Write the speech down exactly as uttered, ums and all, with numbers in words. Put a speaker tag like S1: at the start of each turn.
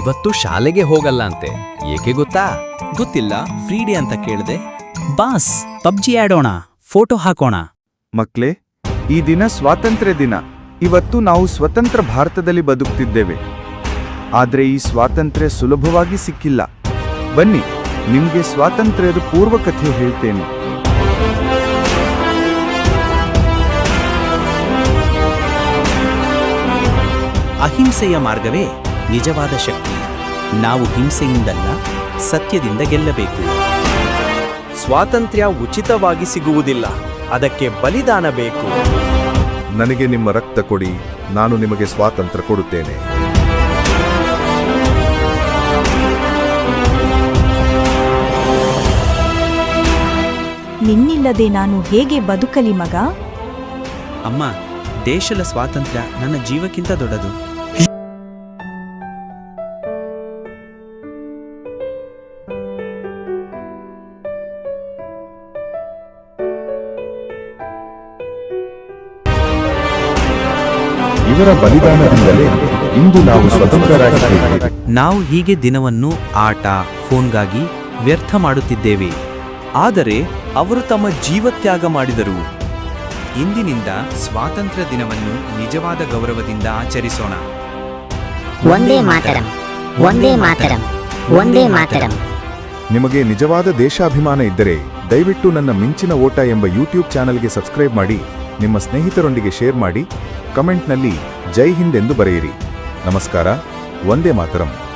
S1: ಇವತ್ತು ಶಾಲೆಗೆ ಹೋಗಲ್ಲ ಅಂತೆ, ಏಕೆ ಗೊತ್ತಾ?
S2: ಗೊತ್ತಿಲ್ಲ, ಫ್ರೀ ಡೇ ಅಂತ ಕೇಳ್ದೆ. ಬಾಸ್, ಪಬ್ಜಿ ಆಡೋಣ, ಫೋಟೋ ಹಾಕೋಣ.
S3: ಮಕ್ಳೇ, ಈ ದಿನ ಸ್ವಾತಂತ್ರ್ಯ ದಿನ. ಇವತ್ತು ನಾವು ಸ್ವತಂತ್ರ ಭಾರತದಲ್ಲಿ ಬದುಕ್ತಿದ್ದೇವೆ. ಆದ್ರೆ ಈ ಸ್ವಾತಂತ್ರ್ಯ ಸುಲಭವಾಗಿ ಸಿಕ್ಕಿಲ್ಲ. ಬನ್ನಿ, ನಿಮ್ಗೆ ಸ್ವಾತಂತ್ರ್ಯದ ಪೂರ್ವಕಥೆ ಹೇಳ್ತೇನೆ.
S2: ಅಹಿಂಸೆಯ ಮಾರ್ಗವೇ ನಿಜವಾದ ಶಕ್ತಿ. ನಾವು ಹಿಂಸೆಯಿಂದಲ್ಲ, ಸತ್ಯದಿಂದ ಗೆಲ್ಲಬೇಕು.
S4: ಸ್ವಾತಂತ್ರ್ಯ ಉಚಿತವಾಗಿ ಸಿಗುವುದಿಲ್ಲ, ಅದಕ್ಕೆ ಬಲಿದಾನ ಬೇಕು.
S5: ನನಗೆ ನಿಮ್ಮ ರಕ್ತ ಕೊಡಿ, ನಾನು ನಿಮಗೆ ಸ್ವಾತಂತ್ರ್ಯ ಕೊಡುತ್ತೇನೆ.
S6: ನಿನ್ನಿಲ್ಲದೆ ನಾನು ಹೇಗೆ ಬದುಕಲಿ ಮಗ?
S2: ಅಮ್ಮ, ದೇಶದ ಸ್ವಾತಂತ್ರ್ಯ ನನ್ನ ಜೀವಕ್ಕಿಂತ ದೊಡ್ಡದು.
S5: ಇವರ ಬಲಿದಾನದಿಂದಲೇ ಇಂದು ನಾವು ಸ್ವತಂತ್ರರಾಗಿದ್ದೇವೆ.
S2: ನಾವು ಹೀಗೆ ದಿನವನ್ನು ಆಟ, ಫೋನ್ಗಾಗಿ ವ್ಯರ್ಥ ಮಾಡುತ್ತಿದ್ದೇವೆ.
S4: ಆದರೆ ಅವರು ತಮ್ಮ ಜೀವತ್ಯಾಗ ಮಾಡಿದರು.
S2: ಇಂದಿನಿಂದ ಸ್ವಾತಂತ್ರ್ಯ ದಿನವನ್ನು ನಿಜವಾದ ಗೌರವದಿಂದ ಆಚರಿಸೋಣ.
S7: ಒಂದೇ ಮಾತರಂ, ಒಂದೇ ಮಾತರಂ, ಒಂದೇ ಮಾತರಂ.
S5: ನಿಮಗೆ ನಿಜವಾದ ದೇಶಾಭಿಮಾನ ಇದ್ದರೆ ದಯವಿಟ್ಟು ನನ್ನ ಮಿಂಚಿನ ಓಟ ಎಂಬ ಯೂಟ್ಯೂಬ್ ಚಾನಲ್ಗೆ ಸಬ್ಸ್ಕ್ರೈಬ್ ಮಾಡಿ, ನಿಮ್ಮ ಸ್ನೇಹಿತರೊಂದಿಗೆ ಶೇರ್ ಮಾಡಿ, ಕಮೆಂಟ್ನಲ್ಲಿ ಜೈ ಹಿಂದ್ ಎಂದು ಬರೆಯಿರಿ. ನಮಸ್ಕಾರ. ಒಂದೇ ಮಾತರಂ.